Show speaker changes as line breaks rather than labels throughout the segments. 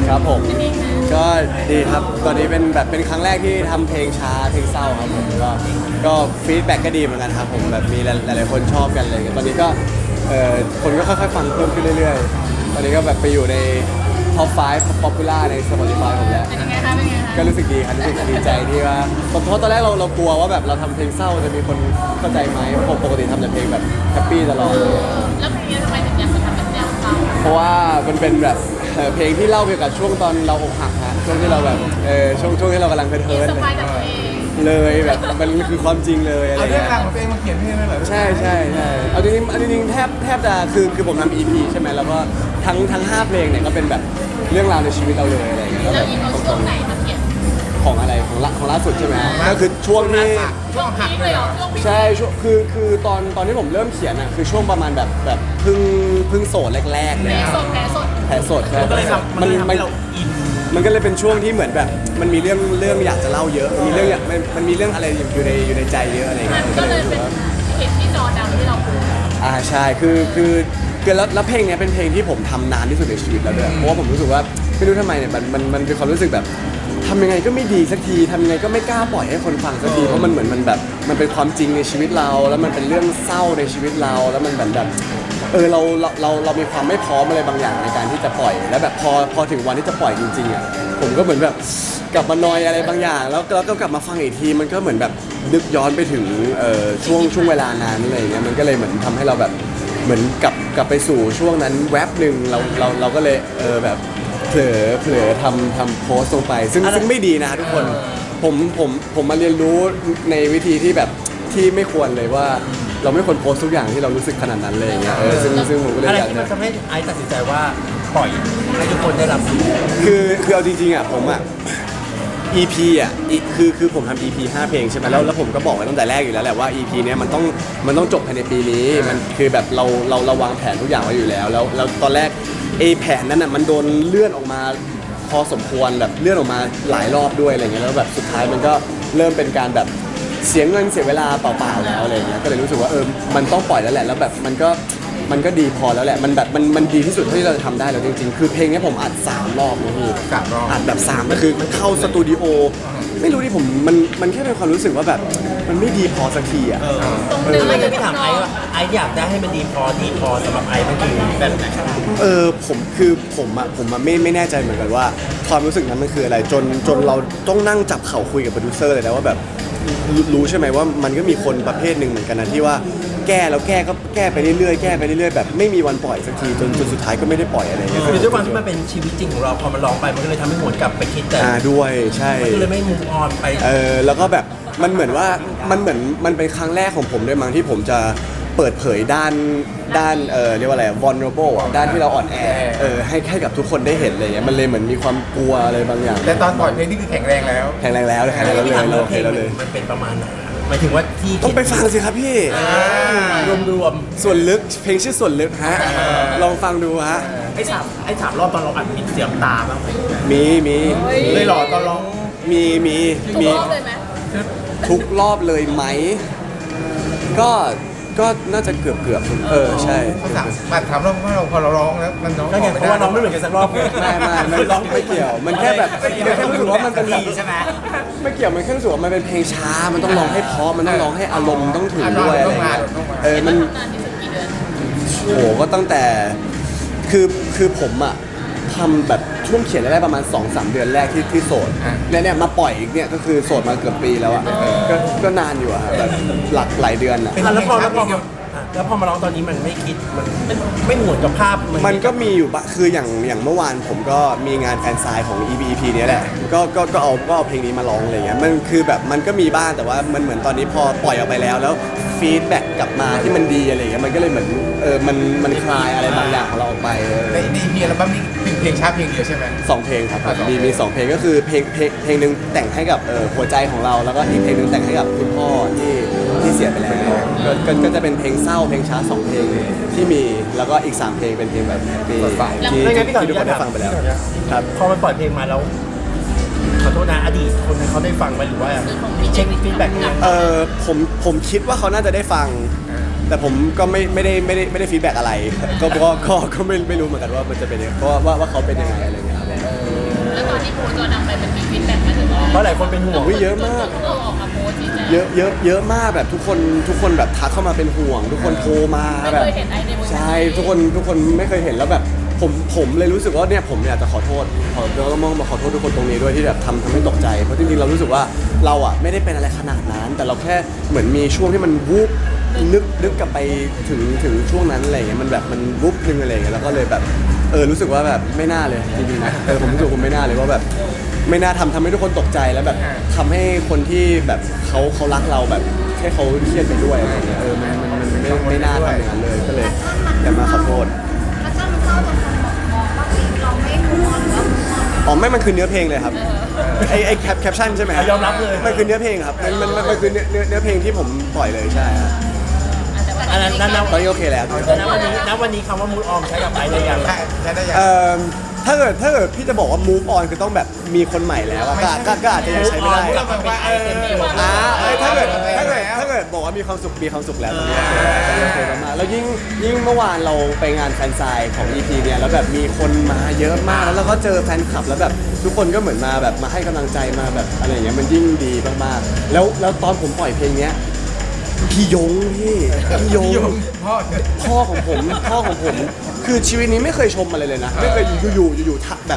ครับผม
เป็นยังไง
ก็ดีครับตอนนี้เป็นครั้งแรกที่ทำเพลงช้าเพลงเศร้าครับผมก็ฟีดแบ็กก็ดีเหมือนกันครับผมแบบมีหลายๆคนชอบกันเลยตอนนี้ก็คนก็ค่อยๆฟังเพิ่มขึ้นเรื่อยๆตอนนี้ก็แบบไปอยู่ในท็อป5 popular ใน Spotify ผมแล้ว
เป็นยังไงคะเป็นยังไงคะ
ก็รู้สึกดีครับรู้สึกดีใจที่ว่าเพราะตอนแรกเรากลัวว่าแบบเราทำเพลงเศร้าจะมีคนเข้าใจไหมเพราะปกติทำแต่เพลงแบบแฮปปี้ตลอด
แล้วเพลงนี้ทำไมถึงอยากมาทำเป็นแนวเศร้า
เพราะว่ามันเป็นแบบเพลงที่เล่าเกี่ยวกับช่วงตอนเราอกหักฮะช่วงที่เราแบบช่วงที่เรากำลังเทิร์น
สบายจากตัวเอง
เลยแบบมันคือความจริงเลยอะไร
เอาเรื่
เงี้
อง
ย
ราวของตัวเองมาเขียนเพลงเลยเหรอ
ใช่เอาจริงๆแทบจะคือผมทำ EP ใช่ไหมแล้วก็ทั้ง5เพลงเนี่ยก็เป็นแบบเรื่องราวในชีวิตเราเลยอะไรเงี้ย
แล้วอีโมช่วงไหนมาเขียน
ของอะไรของล่าสุดใช่ไหมก็คือช่วงที่
ช่วงพีคเลยเหรอช่วงพีค
ใช่ช่วงคือตอนที่ผมเริ่มเขียนอ่ะคือช่วงประมาณแบบเพิ่งโสดแรกๆเลย
แผล
อะ
สดแผลสด
แผลสดใช่
มันก็เลยทำให้เราอิน
มันก็เลยเป็นช่วงที่เหมือนแบบมันมีเรื่องอยากจะเล่าเยอะมีเรื่องมันมีเรื่องอะไรอยู่ในใจเยอะอะไร
มั
เงี้
น
ย
ก็เลยเป็นเหตุที่จอดำที่เราพูด
ใช่คือแล้วเพลงเนี้ยเป็นเพลงที่ผมทำนานที่สุดในชีวิตแล้วด้วยเพราะว่าผมรู้สึกว่าไม่รู้ทำไมเนี่ยมันเป็นความรู้สึกแบบทำยังไงก็ไม่ดีสักทีทำยังไงก็ไม่กล้าปล่อยให้คนฟังสักทีเพราะมันเหมือนมันแบบมันเป็นความจริงในชีวิตเรา แล้วมันเป็นเรื่องเศร้าในชีวิตเราแล้วมันแบบเรามีความไม่พร้อมอะไรบางอย่างในการที่จะปล่อยแล้วแบบพอถึงวันที่จะปล่อยจริงๆอ่ะผมก็เหมือนแบบกลับมานอยอะไรบางอย่างแล้วก็กลับมาฟังอีกทีมันก็เหมือนแบบนึกย้อนไปถึงช่วงเวลานั้นอะไรอย่างเงี้ยมันก็เลยเหมือนทำให้เราแบบเหมือนกลับไปสู่ช่วงนั้นแวบหนึ่งเราก็เลยแบบเผลอทำโพสต์ลงไปซึ่งไม่ดีนะทุกคนผมมาเรียนรู้ในวิธีที่แบบที่ไม่ควรเลยว่าเราไม่ควรโพสต์ทุกอย่างที่เรารู้สึกขนาดนั้นเลยอย่างเงี้ยซึ่งผมก็เลย
อะไร
อยาก
ที่
จะ
มันทำให้ไอซ์ตัดสินใจว่าปล่อยให้ทุกคนได้รับรู้
คือเอาจริงๆอ่ะผมอ่ะ EP อ่ะคือผมทำ EP 5 เพลงใช่ไหมแล้วผมก็บอกไว้ตั้งแต่แรกอยู่แล้วแหละว่า EP เนี้ยมันต้องจบภายในปีนี้มันคือแบบเราวางแผนทุกอย่างไว้อยู่แล้วตอนแรกแผนนั้นอ่ะมันโดนเลื่อนออกมาพอสมควรแบบเลื่อนออกมาหลายรอบด้วยอะไรเงี้ยแล้วแบบสุดท้ายมันก็เริ่มเป็นการแบบเสียเงินเสียเวลาเปล่าๆแล้วอะไรเงี้ยก็เลยรู้สึกว่ามันต้องปล่อยแล้วแหละแล้วแบบมันก็ดีพอแล้วแหละมันแบบมันดีที่สุดที่เราจะทำได้แล้วจริงๆคือเพลงนี้ผมอัด3 รอบนะพี่
3 รอบ
อัดแบบ3ก็คือเข้าสตูดิโอไม่รู้ที่ผมมันแค่เป็นความรู้สึกว่าแบบมันไม่ดีพอสักทีอ่ะ
ตรงเนื้อ
ไม่
อ
ได้
ยู่
พี่ถามไอซ์ว่าไอซ์อยากได้ให้มันดีพอสำหรับไอซ์มันคือแบบไหน
ผมไม่แน่ใจเหมือนกันว่าความรู้สึกนั้นมันคืออะไรจนเราต้องนั่งจับเข่าคุยกับโปรดิวเซอร์เลยนะว่าแบบรู้ใช่ไหมว่ามันก็มีคนประเภทหนึ่งเหมือนกันนะที่ว่าแก้แล้วแก้ก็แก้ไปเรื่อยๆแก้ไปเรื่อยๆแบบไม่มีวันปล่อยสักทีจนสุดท้ายก็ไม่ได้ปล่อยอะไรเงี้ย
คือด้วยความที่มันเป็นชีวิตจริงของเราพอมันร้องไปมันก็เลยทำให้หวนกลับไปคิดแต่
ด้วยใช่
มันก็เลยไม่มูฟออนไป
แล้วก็แบบมันเหมือนว่ามันเป็นครั้งแรกของผมด้วยมั้งที่ผมจะเปิดเผยด้านเรียกว่าอะไร vulnerable อ่ะด้านที่เราอ่อนแอให้กับทุกคนได้เห็นอะไรเงี้ยมันเลยเหมือนมีความกลัวอะไรบางอย่าง
แต่ตอนปล่อยเพลงนี่คือแข็งแรงแล้ว
แข็งแรงแล้วเลย
พี่ถาม
เรา
ว่า
โอ
เพ
เค
ลง
แล้วเลย
มันเป็นประมาณไหนหมายถึงว่าที่
ต้องไปฟังสิครับพี่
รวม
ส่วนลึกเพลงชื่อส่วนลึกฮะลองฟังดูฮะ
ไอ้สามรอบตอนเราอัดมีเสียงตาบ้างไหม
มี
เลยหล่อตอนร้อง
มี
ทุกรอบเลยไหม
ทุกรอบเลยไหมก็น่าจะเกือบใช่
เขาถามเราว่าเราพอเราร้องแล้วมันร้อง
ก็ไงเพราะว่าเราไม่เหมือนกันสักรอบ
ไม่ร้องไม่เกี่ยว มันแค่แบบมันแค่รู้สึกว่ามันเป็นแบบ
ใช่ไหม
ไม่เกี่ยวมันแค่รู้สึกว่ามันเป็นเพลงช้า มันต้องร้องให้เพราะมันต้องร้องให้อารมณ์ต้องถึงด้วยอะไรเงี้ยมัน
ทำนานที่สุดกี่เดือน
โหก็ตั้งแต่คือผมอะทำแบบช่วงเขียนได้ประมาณ 2-3 เดือนแรกที่โสดเนี่ยมาปล่อยอีกเนี่ยก็คือโสดมาเกือบปีแล้วอะก็นานอยู่อะแบบหลายเดือนอะ
แล้วพอมาร้องตอนนี้มันไม่คิดมันไม่หมวนกับภาพ
มันก็มีอยู่บะคืออย่างเมื่อวานผมก็มีงานแฟนไซน์ของ EP เนี้ยแหละก็เอาเพลงนี้มาร้องอะไรเงี้ยมันคือแบบมันก็มีบ้างแต่ว่ามันเหมือนตอนนี้พอปล่อยออกไปแล้วฟีดแบ็กกลับมาที่มันดีอะไรเงี้ยมันก็เลยเหมือนมันคลายอะไรบางอย่างของเราออกไป
ในเพลงอัลบั้มนี้เป็นเพลงช้าเพลงเดียวใช่ไหม
2 เพลงครับ
สองเพลง
มี2 เพลงก็คือเพลงหนึ่งแต่งให้กับหัวใจของเราแล้วก็อีกเพลงหนึ่งแต่งให้กับคุณพ่อที่เสียไปแล้วก็จะเป็นเพลงเศร้าเพลงช้า2 เพลงที่มีแล้วก็อีก3 เพลงเป็นเพลงแบบแฮปปี้ที่ทุกคนได้ฟังไปแล้วครับ
พอมันปล่อยเพลงมาแล้วขอโทษนะอดีตคนนั้นเขาได้ฟังไหมหรือว่าเช็คฟีดแบ็กยังไง
ผมคิดว่าเขาน่าจะได้ฟัง แต่ผมก็ไม่ได้ฟีดแบ็กอะไรก็ไม่รู้เหมือนกันว่ามันจะเป็นยังไงเพราะว่าเขาเป็นยังไงอะไรเงี้ยครับ
จอดำไปมันมีฟีดแบ็กมาถึงว่า
เพราะหลายคนเป็นห่วง
อุ๊ยเยอะมาก
เราออกมาโพสต์ชี้แจง
เยอะมากแบบทุกคนแบบทักเข้ามาเป็นห่วง ทุกคนโทรมา
ไม่
แบบ
เคยเห็นไอในเวอร์ชัน
ใช่
นี้
ทุกคนไม่เคยเห็นแล้วแบบผมเลยรู้สึกว่าเนี่ยผมอยากจะขอโทษแล้วก็มองมาขอโทษทุกคนตรงนี้ด้วยที่แบบทำให้ตกใจเพราะจริงๆเรารู้สึกว่าเราอ่ะไม่ได้เป็นอะไรขนาดนั้น แต่เราแค่เหมือนมีช่วงที่มันวูบนึกกลับไปถึงช่วงนั้นอะไรอย่างเงี้ยมันแบบมันวูบนึงอะไรอย่างเงี้ยแล้วก็เลยแบบรู้สึกว่าแบบไม่น่าเลยจริงๆนะผมรู้สึกผมไม่น่าเลยว่าแบบไม่น่าทำให้ทุกคนตกใจแล้วแบบทำให้คนที่แบบเขารักเราแบบแค่เขาเครียดไปด้วยอะไรอย่างเงี้ยมันไม่น่าทำอย่างนั้นเลยก็เลยอยากมาขอโทษ
แล้วถ้ามันเข้าตรงคนมองว่าเราไม่มูฟออนหรือว่ามูฟออน
อ๋อไม่มันคือเนื้อเพลงเลยครับไอแคปชั่นใช่ไหม
ยอมรับเลย
มันคือเนื้อเพลงครับมันคือเนื้อเพลงที่ผมปล่อยเลยใช่ครับ
อันนั้นนั่น
ตอนนี้โอเคแล้ว
วันนี้คำว่ามูดออมใช้กับไอได้ยัง
ใช่ได้ยัง
ถ้าเกิดพี่จะบอกว่า move on คือต้องแบบมีคนใหม่แล้วอะก็อาจจะยังใช้ไม่ได้
เราแบบว่า
ถ้าเกิดบอกว่ามีความสุขแล้วตอนนี้โอเคมากๆแล้วยิ่งเมื่อวานเราไปงานแฟนไซน์ของ EP เนี่ยแล้วแบบมีคนมาเยอะมากแล้วเราก็เจอแฟนคลับแล้วแบบทุกคนก็เหมือนมาแบบมาให้กำลังใจมาแบบอะไรอย่างเงี้ยมันยิ่งดีมากๆแล้วตอนผมปล่อยเพลงเนี้ยพี่ยงพ่อของผมคือชีวิตนี้ไม่เคยชมอะไรเลยนะไม่เคยอยู่ทักแบบ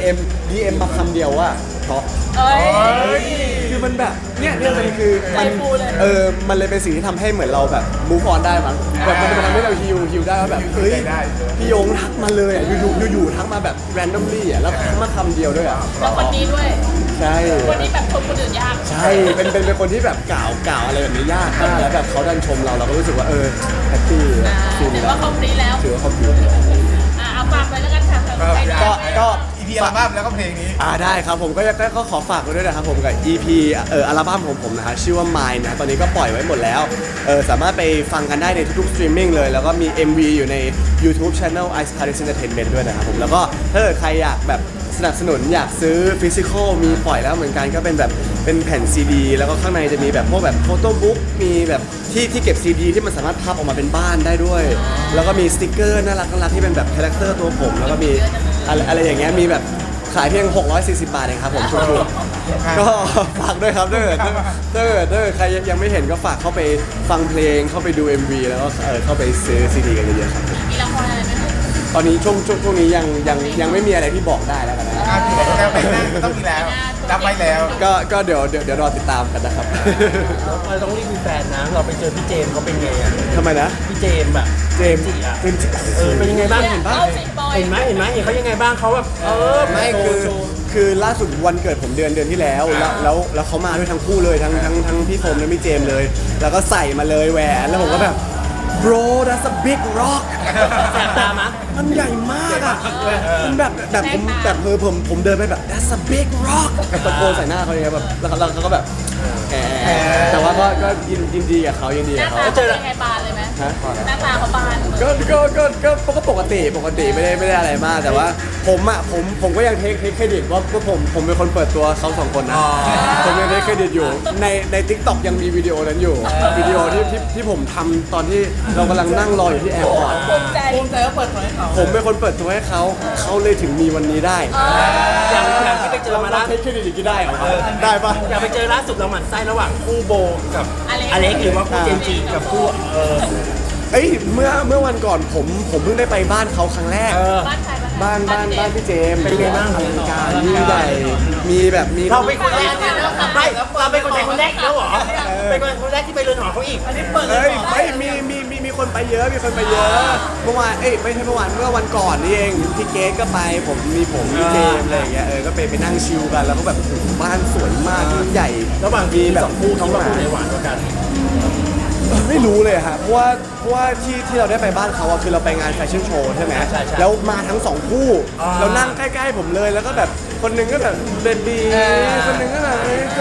DM มาคำเดียวว่าเพราะ
เอ้ย
คือมันแบบเนี่ยมันคือมัน
ใจฟูเลย
มันเลยเป็นสิ่งที่ทำให้เหมือนเราแบบ move on ได้มั้งแบบมันทำให้เราฮิวได้ว่าแบบเฮ้ยพี่ยงทักมาเลยอ่ะอยู่ทักมาแบบ randomly อ่ะแล้วทักมาคำเดียวด้วยอ่ะ
แล้วคนนี้ด้วย
ใช่
คนนี้แบบชมคนอื่นยาก
ใช่เป็นคนที่แบบกล่าวอะไรแบบนี้ยากมากแล้วแบบเขาดันชมเราก็รู้สึกว่าแฮปปี้ฟิล
ถือ
แล้
ว่าคอมพลีทแล้ว
ถือว่าเขาฟิล
เอาฝากไปแล้วกันค่ะ
ก็
อีพีอัลบั้มแล้วก็เพลงนี้
ได้ครับผมก็ขอฝากไว้ด้วยนะครับผมกับ EP อัลบั้มของผมนะฮะชื่อว่า Mine นะตอนนี้ก็ปล่อยไว้หมดแล้วสามารถไปฟังกันได้ในทุกๆสตรีมมิ่งเลยแล้วก็มี MV อยู่ใน YouTube Channel Ice Paris Entertainment ด้วยนะครับผมแล้วก็ถ้าเกิดใครอยากแบบสนับสนุนอยากซื้อฟิสิกอลมีปล่อยแล้วเหมือนกันก็เป็นแบบเป็นแผ่นซีดีแล้วก็ข้างในจะมีแบบพวกแบบโฟโต้บุ๊กมีแบบที่เก็บซีดีที่มันสามารถพับออกมาเป็นบ้านได้ด้วย แล้วก็มีสติกเกอร์น่ารักที่เป็นแบบคาแรคเตอร์ตัวผมแล้วก็มีอะไรอย่างเงี้ยมีแบบขายเพียง640 บาทเองครับผมถูกๆก็ฝากด้วยครับถ้าเกิดใครยังไม่เห็นก็ฝากเข้าไปฟังเพลงเข้าไปดู MV แล้วก็เข้าไปซื้อซีดีกันเยอะๆครับ
มีละครอะไรไหมคะ
ตอนนี้ช่วงนี้ยังไม่มีอะไรที่บอกได้แล้วกันนะ
ต้องมีแล้วรับไว้แล้ว
ก็เดี๋ยวรอติดตามกันนะครับ
เราต้องรีบมีแฟนนะเราไปเจอพี่เจมส์เขาเป็นไงอ่ะ
ทำไมนะ
พี่เจมส์อะ
เจมส์
จิอะ
เจมส์จิ
เป็นยังไงบ้าง
เห็
เห็
น
น
ปะ
ปะเห็นไหมเห็นเขายังไงบ้างเขาแบบ
ไม่
โชว์โชว์
คือล่าสุดวันเกิดผมเดือนที่แล้วแล้วเขามาด้วยทั้งคู่เลยทั้งพี่โฟมและพี่เจมส์เลย แล้วก็ใส่มาเลยแหวนแล้วผมก็แบบ bro that's a big rock
แสบตามะ
มันใหญ่มากอ่ะมันแบบผมเดินไปแบบ that's a big rock ตะโกนใส่หน้าเขาอย่างเงี้ยแบบแล้วเขาก็แบบแต่ว่าก็ยินดีกับเขายินดี
ห
กั
น้า
บเขา
ตาเขาเป็นไงบานเลยไหม
ฮะ
หน้าตาเขาบาน
ก็ปกติไม่ได้อะไรมากแต่ว่าผมก็ยังเทคเครดิตว่าผมเป็นคนเปิดตัวเขาสองคนนะผมยังเทคเครดิตอยู่ใน TikTok ยังมีวิดีโอนั้นอยู่วิดีโอที่ผมทำตอนที่เรากำลังนั่งรออยู่ที่แอร์พอร์ต
ภูมิใจ
ว่าเปิดเผยเขา
ผมเป็นคนเปิดตัวให้เขาเลยถึงมีวันนี้ได้
อย่างที่ไปเจอมา
เรา
ล่า
เทคเครดิตอีกได้เหรอได้ปะ
อย่างไปเจอล่าสุดเราหมั่นไส้ระหว่างคู่โบกับอเล็กหรือว่าคู่เจมส์จีกับคู่
เอ้ยเมื่อวันก่อนผมเพิ่งได้ไปบ้านเขาครั้งแรก
บ้านใคร
บ้านพี่เจมส์
เป็นไงบ้าง
อลังการยิ่งใหญ่มีแบบมี
เราเป็นคนแรกไม่เราเป็นคนแรกแล้วเหรอเป็นคนแรกที่ไปเรือนหอเขาอีกอันนี้เปิด
เฮ้ยมีคนไปเยอะเมื่อวานไม่ใช่เมื่อวานเมื่อวันก่อนนี่เองพี่เกสก็ไปพี่เจมส์อะไรอย่างเงี้ยก็ไปนั่งชิลกันแล้วก็แบบบ้านสวยมากยิ่งใหญ่
ระหว่าง
มีแบบ
สองคู่
น้
คิ
อง
ด
ห
ว่า
มา
คู่ไหนหวานกว่ากัน
ไม่รู้เลยฮะเพราะว่าที่เราได้ไปบ้านเขาอะคือเราไปงานแฟชั่นโชว์ใช่ไหมแล้วมาทั้งสองคู่เรานั่งใกล้ๆผมเลยแล้วก็แบบคนหนึงก็แบบเบบีคนหนึงก็แบบ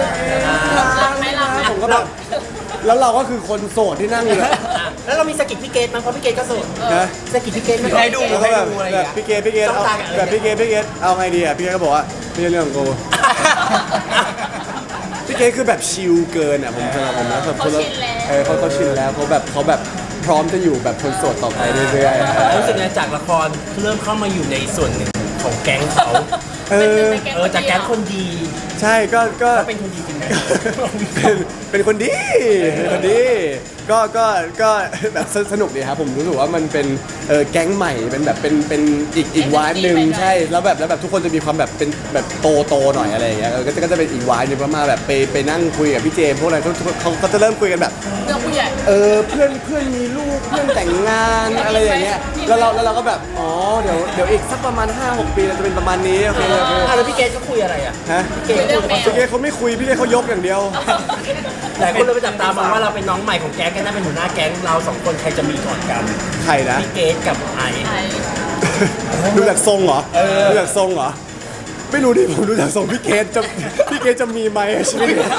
ผมก็แบบแล้วเราก็คือคนโสดที่นั่งอยู่เลย
แล้วเรามีสกิทพี่เกตมั้งเพราะพี่เกตก็โสด
นะ
สกิทพี่เกตไม่
ให้ดู
แล้วก็แบบพี่เกดเอาแบบพี่เกดเอาไงดีอ่ะพี่เกดก็บอกว่าไม่ใช่เรื่องของกูพี่เกดคือแบบชิลเกินอ่ะผมสำหรับผมนะแบบเขาชินแล้วเขาแบบพร้อมจะอยู่แบบคนโสดต่อไปเรื่อยๆ
รู้สึกไงจากละครเริ่มเข้ามาอยู่ในส่วนหนึ่งของแก๊งเขา
เออ
จากแก๊งคนดี
ใช่ก็
เขาเป็นคนดีจริงไหม
เป็นคนดีเป็นคนดีก็แบบสนุกดีครับผมรู้สึกว่ามันเป็นแก๊งใหม่เป็นแบบเป็นอีกวายหนึ่งใช่แล้วแบบทุกคนจะมีความแบบเป็นแบบโตหน่อยอะไรอย่างเงี้ยก็จะเป็นอีกวายหนึ่งมาแบบไปนั่งคุยกับพี่เจมส์พวกอะไรเขาจะเริ่มคุยกันแบบ
เรื่องผู้ใหญ่
เพื่อนมีลูกเพื่อนแต่งงานอะไรอย่างเงี้ยแล้วเราก็แบบอ๋อเดี๋ยวอีกสักประมาณ 5-6 ปีเราจะเป็นประมาณนี้โอเค
แล้วพี่เกดก็คุยอะไรอ่ะ
ฮะ
พี่เกดคุย
พี่เกเขาไม่คุยพี่เกเขายกอย่างเดียว
หลายคนเลยไปจับตามองว่าเราเป็นน้องใหม่ของแก๊งกันน่าเป็นหัวหน้าแก๊งเราสองคนใครจะมีก่อนกัน
ใครนะ
พี่เกดกับไอซ์
ไทย
ดูจากทรงเหรอดูจากทรงเหรอไม่รู้ดิผมดูจากทรงพี่เกจะมีไหมชีวิตนี้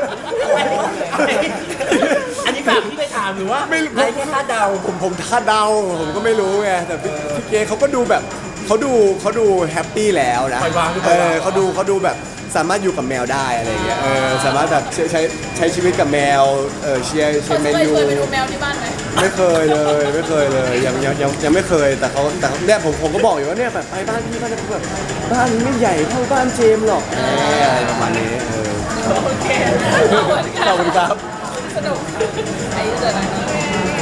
อันนี้แบบพี่ไปถามหรือว่า
ไม่รู้
ไอซ์แค่คาดเดา
ผมคาดเดาผมก็ไม่รู้ไงแต่พี่เกเขาก็ดูแบบเขาดูแฮปปี้แล้วนะ
ปล่อยวางหรือเปล่า
เขาดูแบบสามารถอยู่กับแมวได้อะไรอย่างเงี้ยสามารถแบบใช้ชีวิตกับแมวเชียร์
เขา
แม
เค
น
ย
ยู
ไปดูแมวที่บ้านไหม
ไม่เคยเลยยังไม่เคยแต่เนี่ยผมก็บอกอยู่ว่าเนี่ยแบบไปบ้านพี่บ้านจะแบบบ้านไม่ใหญ่เท่าบ้านเจมส์หรอกอะไรประมาณนี้
โอเค
ขอบคุณครับ
สนุกไอ้เจออะไร